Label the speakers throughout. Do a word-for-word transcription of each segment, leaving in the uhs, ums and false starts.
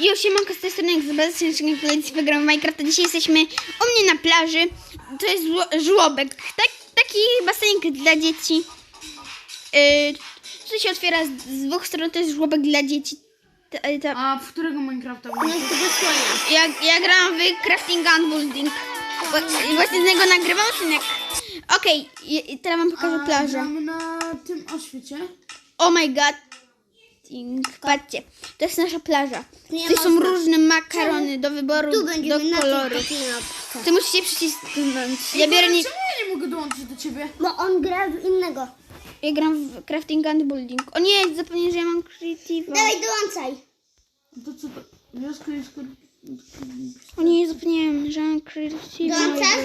Speaker 1: Jo, siemanko, z tej strony jak zobaczycie, koledzy wygramy Minecrafta. Dzisiaj jesteśmy u mnie na plaży. To jest żło- żłobek, tak, taki basenik dla dzieci. Yy, to się otwiera z, z dwóch stron, to jest żłobek dla dzieci. Ta, ta,
Speaker 2: A w którego Minecrafta włączysz?
Speaker 1: ja, ja gram w Crafting and Building. Bo- I właśnie z niego nagrywam odcinek. Okej, okay, teraz wam pokażę plażę.
Speaker 2: Gramy na tym oświecie.
Speaker 1: Oh my god. Patrzcie, to jest nasza plaża.
Speaker 3: Nie
Speaker 1: Tutaj są
Speaker 3: można.
Speaker 1: różne makarony do wyboru,
Speaker 3: Tu będziemy
Speaker 1: do
Speaker 3: na
Speaker 1: koloru.
Speaker 3: tej knopce.
Speaker 1: Ty musicie przycisnąć. Ja
Speaker 2: Ej,
Speaker 1: biorę nie...
Speaker 2: Czemu ja nie mogę dołączyć do ciebie?
Speaker 3: Bo on gra w innego.
Speaker 1: Ja gram w Crafting and Building. O nie, zapomniałem, że ja mam Creative.
Speaker 3: Dawaj, dołączaj.
Speaker 2: To co to? Wioska jest...
Speaker 1: O nie, zapomniałem, że mam Creative.
Speaker 3: Dołączasz?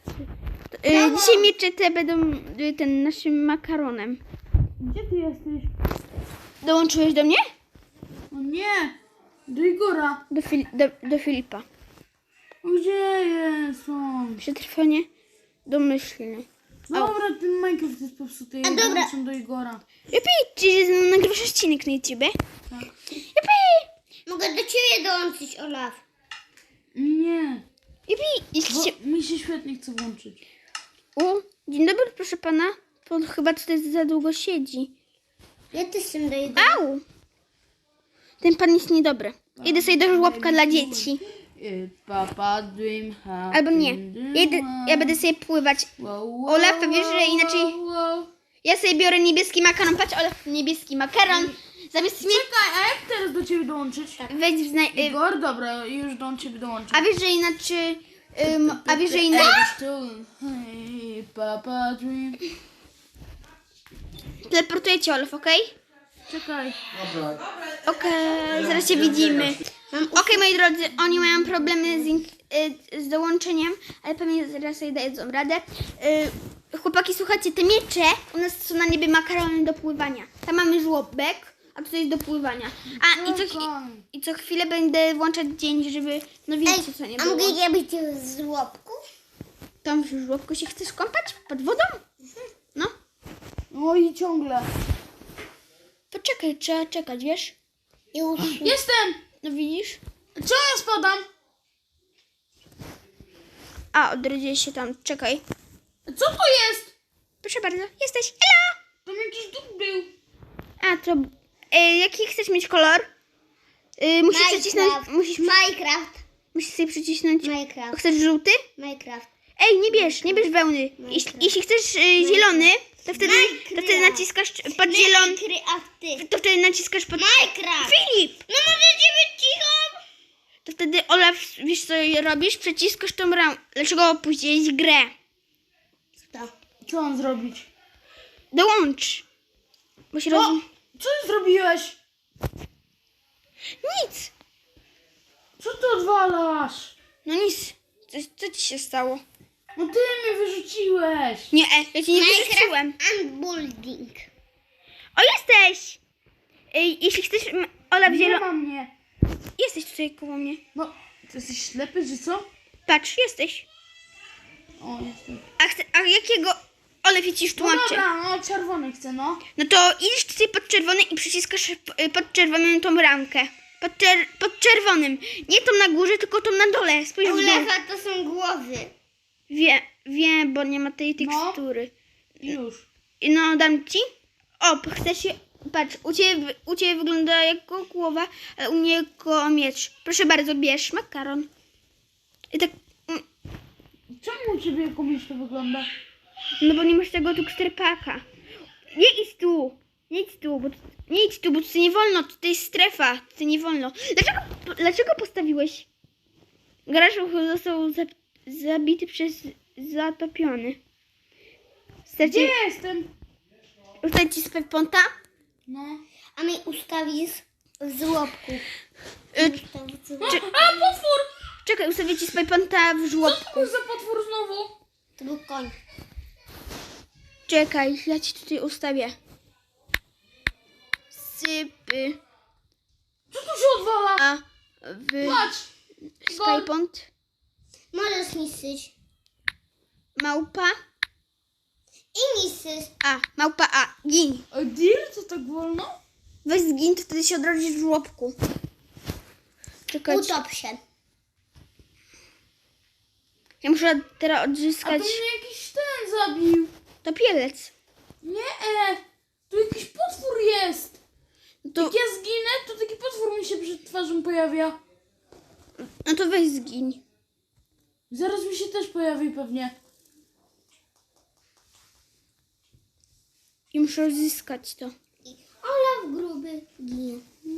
Speaker 1: Y, dzisiaj miecze te będą y, ten naszym makaronem.
Speaker 2: Gdzie ty jesteś?
Speaker 1: Dołączyłeś do mnie?
Speaker 2: O nie! Do Igora.
Speaker 1: Do, Fil do, do Filipa.
Speaker 2: O, gdzie jest on?
Speaker 1: Przetrwanie domyślny.
Speaker 2: Dobra, ten Minecraft jest popsuty. Ja
Speaker 3: A dobra.
Speaker 2: dołączam do Igora.
Speaker 1: Jupi, czy nagrywasz odcinek na YouTubie?
Speaker 2: Tak.
Speaker 1: Jupi!
Speaker 3: Mogę do ciebie dołączyć, Olaf.
Speaker 2: Nie.
Speaker 1: Jupi,
Speaker 2: Bo
Speaker 1: jesteście...
Speaker 2: mi się świetnie chce włączyć.
Speaker 1: U, dzień dobry, proszę pana. Pan chyba tutaj za długo siedzi.
Speaker 3: Ja też się daję.
Speaker 1: Au! Ten pan jest niedobry. Idę sobie do żłobka dla dzieci.
Speaker 2: Papa dream happy
Speaker 1: Albo nie. Ja, idę, ja będę sobie pływać. Olaf, wiesz, że inaczej... Ja sobie biorę niebieski makaron. Patrz, Olaf, niebieski makaron. Zamiast mnie...
Speaker 2: Czekaj, a jak teraz do ciebie dołączyć?
Speaker 1: Wejdź w zna... y,
Speaker 2: Igor, dobra, już do ciebie dołączę.
Speaker 1: A wiesz, że inaczej... Ym, a wiesz, że inaczej...
Speaker 2: Hey, Papa dream.
Speaker 1: Teleportuję cię, Olaf, okej?
Speaker 2: Czekaj.
Speaker 1: Okej, zaraz się widzimy. Okej, moi drodzy, oni mają problemy z, in- y, z dołączeniem, ale pewnie zaraz sobie dadzą radę. Y, chłopaki, słuchajcie, te miecze u nas są na niebie makarony do pływania. Tam mamy żłobek, a tutaj jest do pływania. A i co, chi- i co chwilę będę włączać dzień, żeby, no wiecie co nie
Speaker 3: A
Speaker 1: było.
Speaker 3: mogę ja być z żłobku?
Speaker 1: Tam w żłobku się chcesz kąpać? Pod wodą? No.
Speaker 2: No i ciągle.
Speaker 1: Poczekaj, trzeba czekać, wiesz?
Speaker 3: Już.
Speaker 2: Jestem!
Speaker 1: No widzisz?
Speaker 2: Co ja spadam?
Speaker 1: A, odrodziłeś się tam, czekaj.
Speaker 2: Co to jest?
Speaker 1: Proszę bardzo, jesteś. Hello!
Speaker 2: Tam jakiś duch był.
Speaker 1: A, to... E, jaki chcesz mieć kolor? E, musisz
Speaker 3: Minecraft.
Speaker 1: przycisnąć... Musisz,
Speaker 3: Minecraft.
Speaker 1: musisz sobie przycisnąć...
Speaker 3: Minecraft.
Speaker 1: Chcesz żółty?
Speaker 3: Minecraft.
Speaker 1: Ej, nie bierz, nie bierz wełny. Jeśli, jeśli chcesz e, zielony, to wtedy, to wtedy naciskasz pod zielony...
Speaker 3: Minecraft.
Speaker 1: To wtedy naciskasz pod...
Speaker 3: Minecraft.
Speaker 1: Filip!
Speaker 3: No możecie być cicho?
Speaker 1: To wtedy, Olaf, wiesz co robisz? Przeciskasz tą ramę. Dlaczego opuściłeś grę?
Speaker 3: To.
Speaker 2: Co mam zrobić?
Speaker 1: Dołącz. Bo się
Speaker 2: O!
Speaker 1: roz...
Speaker 2: Co ty zrobiłeś?
Speaker 1: Nic.
Speaker 2: Co ty odwalasz?
Speaker 1: No nic. Co, co ci się stało?
Speaker 2: No ty mnie wyrzuciłeś.
Speaker 1: Nie, e, ja cię nie wyrzuciłem.
Speaker 3: Minecraft and building.
Speaker 1: O, jesteś! Ej, jeśli chcesz, m- Olaf,
Speaker 2: Nie
Speaker 1: zielony...
Speaker 2: ma mnie.
Speaker 1: Jesteś tutaj koło mnie.
Speaker 2: No, ty jesteś ślepy, czy co?
Speaker 1: Patrz, jesteś.
Speaker 2: O, jestem.
Speaker 1: A, chcę, a jakiego... Olaf, ja ci już
Speaker 2: No
Speaker 1: tłumaczę.
Speaker 2: dobra, no czerwony chcę, no.
Speaker 1: No to idziesz tutaj pod czerwony i przyciskasz y, pod czerwonym tą ramkę. Pod, czer pod czerwonym. Nie tą na górze, tylko tą na dole. Spójrz w dół.
Speaker 3: Olefa to są głowy.
Speaker 1: Wie, wiem, bo nie ma tej
Speaker 2: No.
Speaker 1: tekstury.
Speaker 2: Już.
Speaker 1: I no, dam ci. O, chcesz się... Patrz, u ciebie, u ciebie wygląda jako głowa, a u mnie jako miecz. Proszę bardzo, bierz makaron. I tak... mm,
Speaker 2: Czemu u ciebie komuś to wygląda?
Speaker 1: No bo nie masz tego tuksterpaka. Nie idź tu. Nie idź tu, bo nie idź tu, bo tutaj nie wolno. Tutaj jest strefa. Tutaj nie wolno. Dlaczego, dlaczego postawiłeś? Garaż został za, zabity przez zatopiony.
Speaker 2: Gdzie
Speaker 1: Starcie,
Speaker 2: jestem?
Speaker 1: ustać ci spewponta?
Speaker 2: No.
Speaker 3: A mnie ustawisz w żłobku.
Speaker 1: Y,
Speaker 3: Ustawić w
Speaker 2: A,
Speaker 3: żłobku.
Speaker 2: a potwór!
Speaker 1: czekaj, ustawię ci spewponta w
Speaker 2: Co
Speaker 1: żłobku.
Speaker 2: to był za potwór znowu?
Speaker 3: To był koń.
Speaker 1: Czekaj, ja ci tutaj ustawię. Sypy.
Speaker 2: Co tu się odwala?
Speaker 1: A w
Speaker 2: Patrz!
Speaker 1: spewpont
Speaker 3: Możesz niszczyć.
Speaker 1: małpa.
Speaker 3: I niszczysz.
Speaker 1: A, małpa A. Gin.
Speaker 2: A deal? Co tak wolno?
Speaker 1: Weź zgin, to wtedy się odrodzisz w żłobku. Czekać.
Speaker 3: Utop się.
Speaker 1: Ja muszę teraz
Speaker 2: A to
Speaker 1: odzyskać
Speaker 2: mnie jakiś ten zabił.
Speaker 1: topielec.
Speaker 2: Nie, e, tu jakiś potwór jest.
Speaker 1: To,
Speaker 2: Jak ja zginę, to taki potwór mi się przed twarzą pojawia.
Speaker 1: no to weź zgiń.
Speaker 2: Zaraz mi się też pojawi pewnie.
Speaker 1: I muszę odzyskać to.
Speaker 3: Olaf gruby ginie.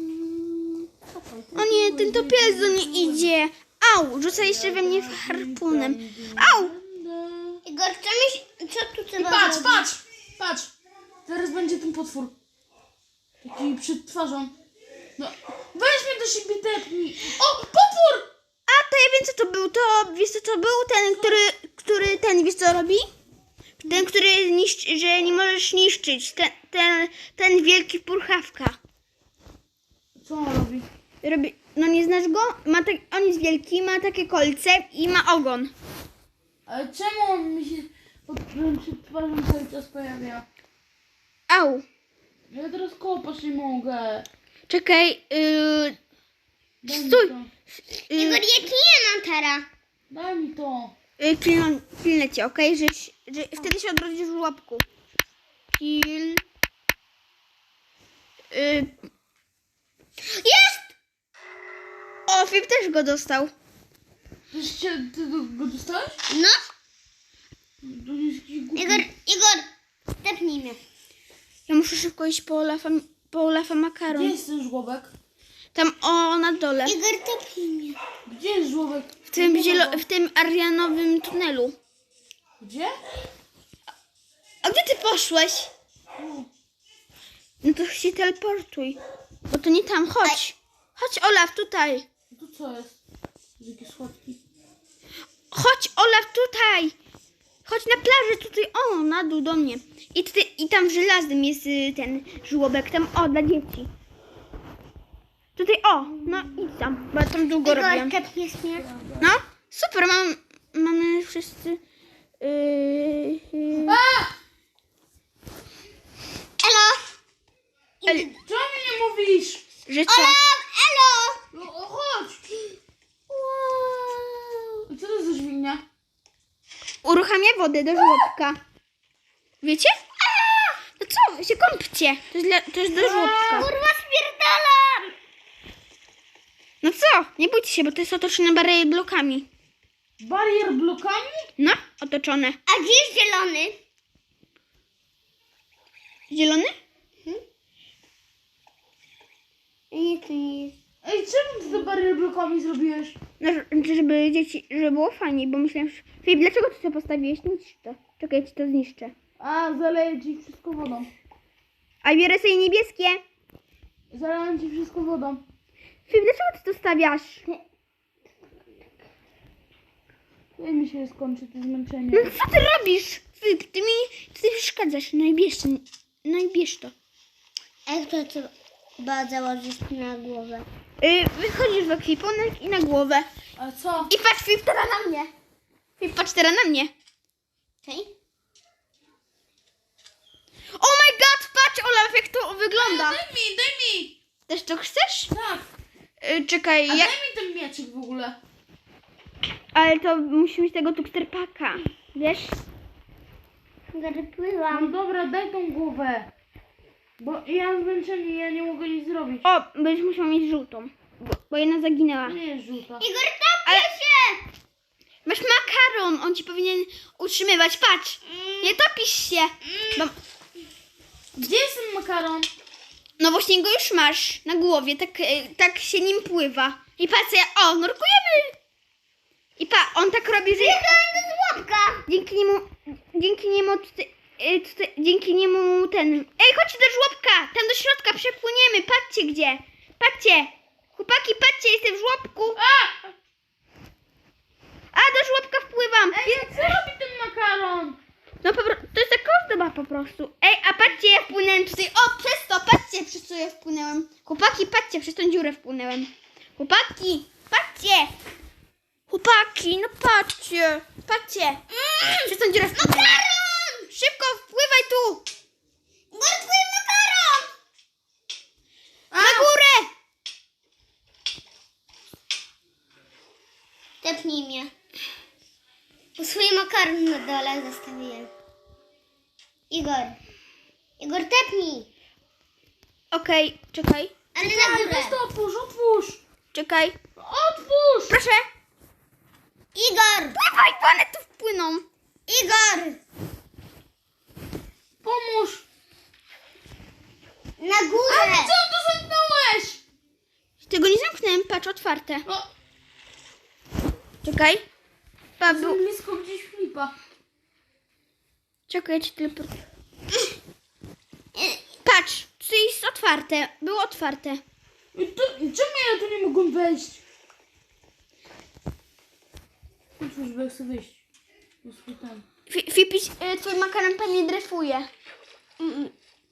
Speaker 1: O nie, ten topielec do mnie idzie. Au, rzuca jeszcze we mnie harpunem. Au!
Speaker 3: Igor, co, mi, co tu
Speaker 2: I
Speaker 3: trzeba
Speaker 2: patrz,
Speaker 3: zrobić?
Speaker 2: patrz, patrz. Zaraz będzie ten potwór. Taki przed twarzą. No, weź mnie do siebie tepnij. O, potwór!
Speaker 1: A, to ja wiem co to był. To, wiesz co to był? Ten, który, który ten, wiesz co robi? Ten, który niszczy, że nie możesz niszczyć. Ten, ten, ten wielki purchawka.
Speaker 2: Co on robi?
Speaker 1: Robi, no nie znasz go? Ma tak, on jest wielki, ma takie kolce i ma ogon.
Speaker 2: Ale czemu on mi się pod, przed twarzą cały czas pojawia?
Speaker 1: Au.
Speaker 2: Ja teraz kopać nie mogę.
Speaker 1: Czekaj, yy,
Speaker 2: Daj mi
Speaker 1: Stój.
Speaker 2: to.
Speaker 3: Igor,
Speaker 1: yy,
Speaker 3: ja ci nie mam teraz.
Speaker 2: Daj mi to.
Speaker 1: yy, pilno, pilnę cię, okej? Że, że wtedy się odrodzisz w łapku. Pil... Yy. Jest! O, Filip też go dostał.
Speaker 2: Ty, się, ty go, go dostałeś?
Speaker 3: No,
Speaker 2: To jest jakiś głupi.
Speaker 3: Igor, Igor, stepnij mnie.
Speaker 1: Ja muszę szybko iść po Olafa, po Olafa
Speaker 2: Gdzie
Speaker 1: makaron.
Speaker 2: jest ten żłobek?
Speaker 1: Tam, o, na dole.
Speaker 3: Igor, tepnij mnie.
Speaker 2: Gdzie jest żłobek?
Speaker 1: W tym,
Speaker 2: Nie ma
Speaker 1: zielo,
Speaker 2: go.
Speaker 1: w tym arianowym tunelu.
Speaker 2: Gdzie?
Speaker 1: A gdzie ty poszłeś?
Speaker 2: O,
Speaker 1: No to się teleportuj. Bo to nie tam, chodź. Chodź Olaf, tutaj.
Speaker 2: no to co jest? To jakieś schodki.
Speaker 1: Chodź Olaf, tutaj. Chodź na plażę, tutaj, o, na dół do mnie. I, ty, i tam w żelaznym jest y, ten żłobek, tam, o, dla dzieci. Tutaj, o, no idź tam, bo ja tam długo robię.
Speaker 3: Igor, tepniesz mnie.
Speaker 1: No, super, mam, mamy wszyscy... Yy, yy.
Speaker 2: A!
Speaker 3: Elo.
Speaker 1: El,
Speaker 2: Czemu mi nie mówisz?
Speaker 1: że co?
Speaker 3: Olaf, elo.
Speaker 2: No o, chodź.
Speaker 3: Wow.
Speaker 2: I co to za dźwignia?
Speaker 1: Uruchamia wodę do żłobka. Wiecie? No co, się kąpcie. To jest, dla, to jest do żłobka.
Speaker 3: Kurwa, spierdalam.
Speaker 1: No co? Nie bójcie się, bo to jest otoczone bariery blokami.
Speaker 2: Barier blokami?
Speaker 1: No, otoczone.
Speaker 3: A gdzie jest zielony?
Speaker 1: Zielony?
Speaker 3: Nie, to nie jest.
Speaker 2: Ej, czemu ty te barier blokami zrobiłeś?
Speaker 1: No, żeby dzieci, żeby było fajniej, bo myślałem, że... Filip, dlaczego ty to postawiłeś? Niszcz to. Czekaj, ja ci to zniszczę.
Speaker 2: A, zaleję ci wszystko wodą.
Speaker 1: A biorę sobie niebieskie.
Speaker 2: Zalałem ci wszystko wodą.
Speaker 1: Filip, dlaczego ty to stawiasz?
Speaker 2: Daj mi się skończy to zmęczenie.
Speaker 1: No co ty robisz? Filip, ty mi ty przeszkadzasz. No i bierz, to- no i bierz to.
Speaker 3: Jak to trzeba założyć na głowę?
Speaker 1: Yy, wychodzisz w ekwipunek i na głowę.
Speaker 2: A co?
Speaker 1: I patrz, Filip, teraz na mnie. Filip, patrz teraz na mnie.
Speaker 3: Okej?
Speaker 1: Oh my god, patrz Olaf, jak to wygląda.
Speaker 2: Daj mi, daj mi!
Speaker 1: Też to chcesz?
Speaker 2: Tak.
Speaker 1: Yy, czekaj,
Speaker 2: A
Speaker 1: ja...
Speaker 2: daj mi ten mieczyk w ogóle.
Speaker 1: ale to musi mieć tego tuksterpaka. Wiesz?
Speaker 3: Igor,
Speaker 2: No
Speaker 3: pływam.
Speaker 2: dobra, daj tą głowę. Bo ja mam zmęczenie, ja nie mogę nic zrobić.
Speaker 1: O, będziesz musiał mieć żółtą. Bo, bo jedna zaginęła.
Speaker 2: To nie jest żółta.
Speaker 3: Igor, topię
Speaker 1: Ale-
Speaker 3: się!
Speaker 1: Masz makaron, on ci powinien utrzymywać. Patrz, nie topisz się. Bo,
Speaker 2: Gdzie jest ten makaron?
Speaker 1: no właśnie go już masz na głowie, tak, e, tak się nim pływa. I patrz, ja, o, nurkujemy. I pa, on tak robi, że
Speaker 3: do żłobka.
Speaker 1: dzięki niemu, dzięki niemu, tutaj, e, tutaj, dzięki niemu ten... Ej, chodźcie do żłobka, tam do środka przepłyniemy, patrzcie gdzie. Patrzcie, chłopaki, patrzcie, jestem w żłobku.
Speaker 2: A!
Speaker 1: A, do żłobka wpływam.
Speaker 2: Ej, co robi ten makaron?
Speaker 1: No po pro- to jest taka ozdoba po prostu. Ej, a patrzcie, ja wpłynąłem tutaj. O, przez to, patrzcie, przez co ja wpłynęłem. Chłopaki, patrzcie, przez tą dziurę wpłynęłem. Chłopaki, patrzcie. Chłopaki, no patrzcie, patrzcie. Przez tą dziurę wpłynęłem. Makaron! Szybko, wpływaj tu.
Speaker 3: Igor, twój makaron!
Speaker 1: Na górę.
Speaker 3: Tepnij mnie. Po swój makaron na dole zostawiłem. Igor. Igor, tepnij.
Speaker 1: Okej, czekaj,
Speaker 3: Ale na
Speaker 2: Ej,
Speaker 3: górę.
Speaker 2: weź to otwórz, otwórz!
Speaker 1: czekaj.
Speaker 2: Otwórz!
Speaker 1: Proszę.
Speaker 3: Igor.
Speaker 1: Dawaj, bo one tu wpłyną.
Speaker 3: Igor.
Speaker 2: Pomóż!
Speaker 3: Na
Speaker 2: Ale
Speaker 3: górę.
Speaker 2: co to zamknąłeś?
Speaker 1: Tego nie zamknąłem, patrz, otwarte.
Speaker 2: No,
Speaker 1: Czekaj. Pa, był...
Speaker 2: jestem blisko gdzieś flipa.
Speaker 1: Czekaj, ja ci tylko... Patrz, tu jest otwarte. Było otwarte.
Speaker 2: I to, i czemu ja tu nie mogłem wejść? Otwórz, bo ja chcę wyjść. To jest swój ten.
Speaker 1: Fi- Fipiś, y, twój makaron pewnie dryfuje. Mm,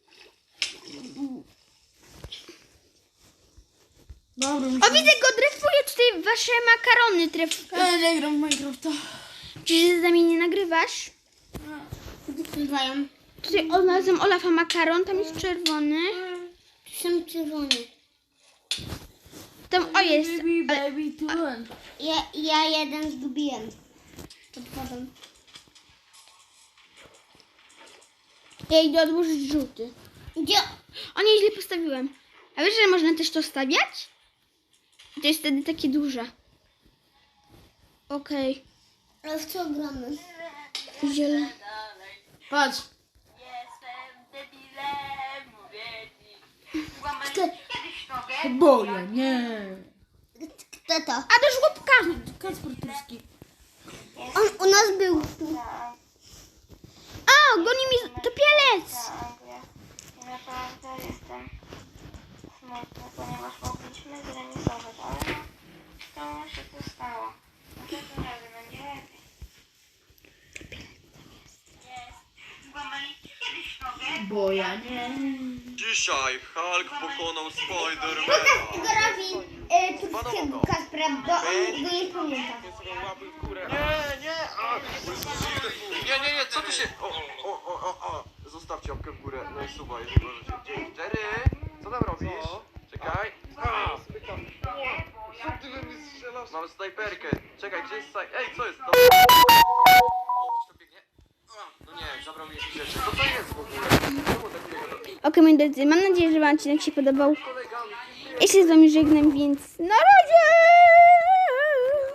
Speaker 2: Dobra,
Speaker 1: O, widzę go, dryfuje tutaj wasze makarony. Tryf...
Speaker 2: Ja nie gram w Minecrafta.
Speaker 1: Czy się z nami nie nagrywasz?
Speaker 3: Bywają.
Speaker 1: Tutaj odnalazłem Olafa makaron, tam jest czerwony.
Speaker 3: Tu są czerwone.
Speaker 1: Tam, o jest.
Speaker 2: Baby,
Speaker 1: Ale,
Speaker 2: baby, tu run.
Speaker 3: Ja, ja jeden zgubiłem. Pod wodą.
Speaker 1: ja idę odłożyć żółty.
Speaker 3: Gdzie?
Speaker 1: O nie, źle postawiłem. A wiesz, że można też to stawiać? To jest wtedy takie duże. Okej.
Speaker 3: Ale w co gramy?
Speaker 1: Zielony.
Speaker 2: Patrz.
Speaker 4: Jestem debilem, mówię ci. Łamać kiedyś nogę.
Speaker 2: Bo ja nie.
Speaker 3: Kto to?
Speaker 1: A do żłobka!
Speaker 2: Kacper Turski.
Speaker 3: On u nas był.
Speaker 1: A, goni mi topielec!
Speaker 4: I naprawdę jestem smutny, ponieważ mogliśmy zremisować, ale no, to się to stało. Następnym razem będzie lepiej. Jest. Złamaliście kiedyś nogę?
Speaker 2: Bo ja nie.
Speaker 5: Dzisiaj Hulk pokonał Spidermana.
Speaker 3: Igorowi y, turskiego Kaspra, bo on go nie pamięta.
Speaker 5: Nie, nie, a, nie, nie, nie, co tu się... O, o, o, o, o. Zostawcie łapkę w górę, no i suba, jeżeli możecie. Dzięki. Jerry, co tam robisz? Czekaj. A, co ty we mnie strzelasz? Mam snajperkę. Czekaj, gdzie jest snaj... Ej, co jest? No. O, ktoś tu biegnie. A, no nie, zabrał mi jakieś rzeczy. Co to jest w ogóle? Czemu tak biega do...
Speaker 1: Okej, moi drodzy, mam nadzieję, że wam odcinek się podobał.
Speaker 5: Kolegami.
Speaker 1: Ja się z wami żegnam, więc na razie!